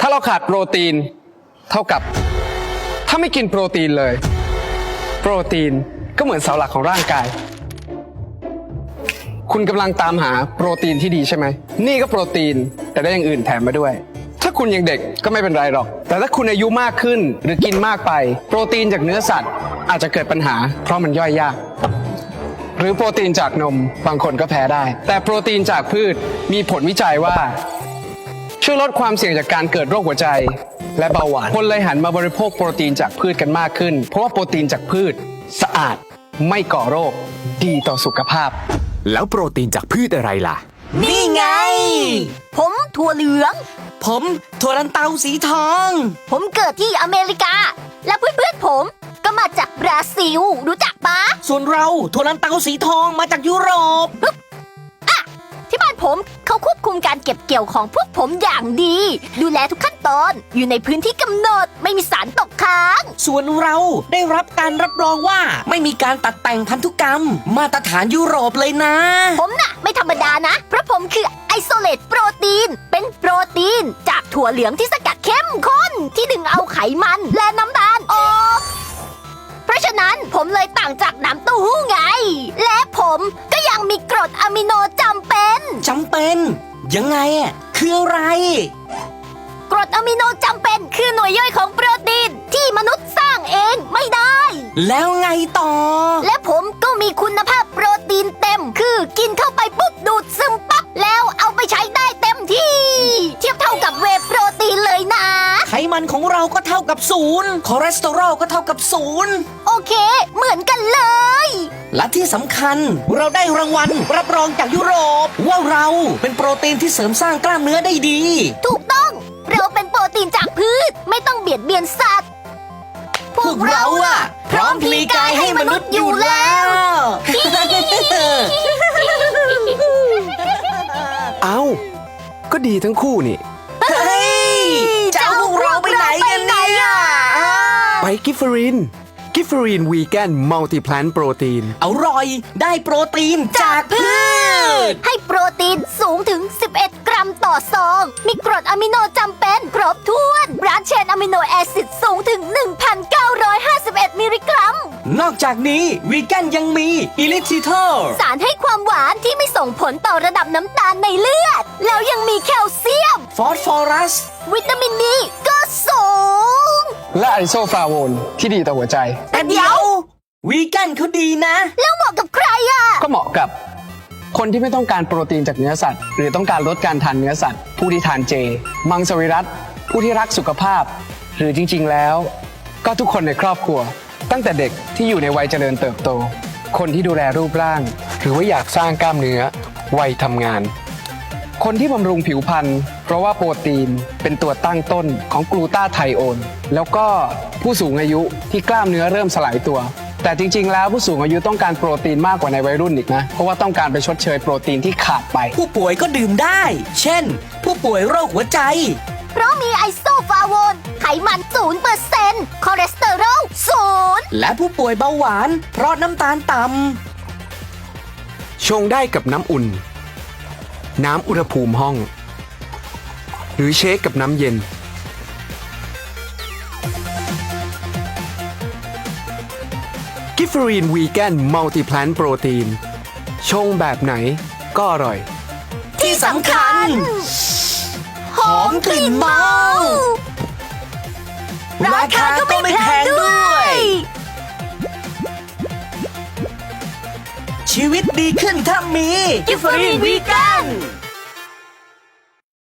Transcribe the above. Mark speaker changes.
Speaker 1: าเราขาดโปรตีนเท่ากับถ้าไม่กินโปรตีนเลยโปรตีนก็เหมือนเสาหลักของร่างกายคุณกำลังตามหาโปรตีนที่ดีใช่ไหมนี่ก็โปรตีนแต่ได้อย่างอื่นแถมมาด้วยถ้าคุณยังเด็กก็ไม่เป็นไรหรอกแต่ถ้าคุณอายุมากขึ้นหรือกินมากไปโปรตีนจากเนื้อสัตว์อาจจะเกิดปัญหาเพราะมันย่อยยากหรือโปรตีนจากนมบางคนก็แพ้ได้แต่โปรตีนจากพืชมีผลวิจัยว่าช่วยลดความเสี่ยงจากการเกิดโรคหัวใจและเบาหวานคนเลยหันมาบริโภคโปรตีนจากพืชกันมากขึ้นเพราะว่าโปรตีนจากพืชสะอาดไม่ก่อโรคดีต่อสุขภาพ
Speaker 2: แล้วโปรตีนจากพืชอะไรล่ะ
Speaker 3: นี่ไงผมถั่วเหลือง
Speaker 4: ผมถั่วลันเตาสีทอง
Speaker 3: ผมเกิดที่อเมริกาและเพื่อนๆผมก็มาจากบราซิลรู้จักปะ
Speaker 4: ส่วนเราถั่วลันเตาสีทองมาจากยุโรป
Speaker 3: ที่บ้านผมเขาควบคุมการเก็บเกี่ยวของพวกผมอย่างดีดูแลทุกขั้นตอนอยู่ในพื้นที่กำหนดไม่มีสารตกค้าง
Speaker 4: ส่วนเราได้รับการรับรองว่าไม่มีการตัดแต่งพันธุกรรมมาตรฐานยุโรปเลยนะ
Speaker 3: ผมน่ะไม่ธรรมดานะเพราะผมคือไอโซเลตโปรตีนเป็นโปรตีนจากถั่วเหลืองที่สกัดเข้มข้นที่ดึงเอาไขมันและน้ำตาลออกเพราะฉะนั้นผมเลยต่างจากน้ำเต้าหู้ไงและผมก็ยังมีกรดอะมิโนจำเป็น
Speaker 4: ยังไงอ่ะคืออะไร
Speaker 3: กรดอะมิโนจำเป็นคือหน่วยย่อยของโปรตีนที่มนุษย์สร้างเองไม่ได้
Speaker 4: แล้วไงต่อ
Speaker 3: และผมก็มีคุณภาพโปรตีนเต็มคือกินเข้าไปปุ๊บดูดซึมปั๊บแล้วเอาไปใช้ได้เต็มที่เทียบเท่ากับเวย์โปรตีนเลยนะ
Speaker 4: ไขมันของเราก็เท่ากับ0คอเลสเตอรอลก็เท่ากับ0
Speaker 3: โอเคเหมือนกันเลย
Speaker 4: และที่สำคัญเราได้รางวัลรับรองจากยุโรปว่าเราเป็นโปรตีนที่เสริมสร้างกล้ามเนื้อได้ดี
Speaker 3: ถูกต้องเราเป็นโปรตีนจากพืชไม่ต้องเบียดเบียนสัตว์
Speaker 4: พวกเราอะพร้อมพลีกายให้มนุษย์อยู่แล้ว
Speaker 1: เอ้าก็ดีทั้งคู่นี่
Speaker 4: เฮ้ยจะเอาพวกเราไปไหนกันเนี่ย
Speaker 1: ไปกิฟเฟอรีนวีแกนมัลติแพลนโปรตีน
Speaker 4: อร่อยได้โปรตีนจากพืช
Speaker 3: ให้โปรตีนสูงถึง11 กรัมต่อซองมีกรดอะมิโนจำเป็นครบถ้วนบรานช์เชนอะมิโนแอซิดสูงถึง 1,951 มิลลิกรัม
Speaker 4: นอกจากนี้วีแกนยังมีอิลิทิทอล
Speaker 3: สารให้ความหวานที่ไม่ส่งผลต่อระดับน้ำตาลในเลือดแล้วยังมีแคลเซียม
Speaker 4: ฟอสฟอรัส
Speaker 3: วิตามินดีก็สูง
Speaker 1: และไอโซฟลาโวนที่ดีต่อหัวใจ
Speaker 4: แต่เดี๋ยววีแกนเขาดีนะ
Speaker 3: แล้วเหมาะกับใครอ่ะ
Speaker 1: ก็เหมาะกับคนที่ไม่ต้องการโปรตีนจากเนื้อสัตว์หรือต้องการลดการทานเนื้อสัตว์ผู้ที่ทานเจมังสวิรัติผู้ที่รักสุขภาพหรือจริงๆแล้วก็ทุกคนในครอบครัวตั้งแต่เด็กที่อยู่ในวัยเจริญเติบโตคนที่ดูแลรูปร่างหรือว่าอยากสร้างกล้ามเนื้อวัยทำงานคนที่บำรุงผิวพรรณเพราะว่าโปรตีนเป็นตัวตั้งต้นของกลูตาไทโอนแล้วก็ผู้สูงอายุที่กล้ามเนื้อเริ่มสลายตัวแต่จริงๆแล้วผู้สูงอายุต้องการโปรตีนมากกว่าในวัยรุ่นอีกนะเพราะว่าต้องการไปชดเชยโปรตีนที่ขาดไป
Speaker 4: ผู้ป่วยก็ดื่มได้เช่นผู้ป่วยโรคหัวใจ
Speaker 3: เพราะมีไอโซฟลาโวนไขมัน 0% คอเลสเตอรอล 0
Speaker 4: และผู้ป่วยเบาหวานเพราะน้ำตาลต่ำ
Speaker 1: ชงได้กับน้ำอุ่นน้ำอุณหภูมิห้องหรือเชคกับน้ำเย็นกิฟเฟอรีนวีแกนมัลติแพลนโปรตีนชงแบบไหนก็อร่อย
Speaker 4: ที่สำคัญหอมกลิ่นเมาราคาก็ไม่แพงด้วยชีวิตดีขึ้นถ้ามีกิฟเฟอรีนวีแกน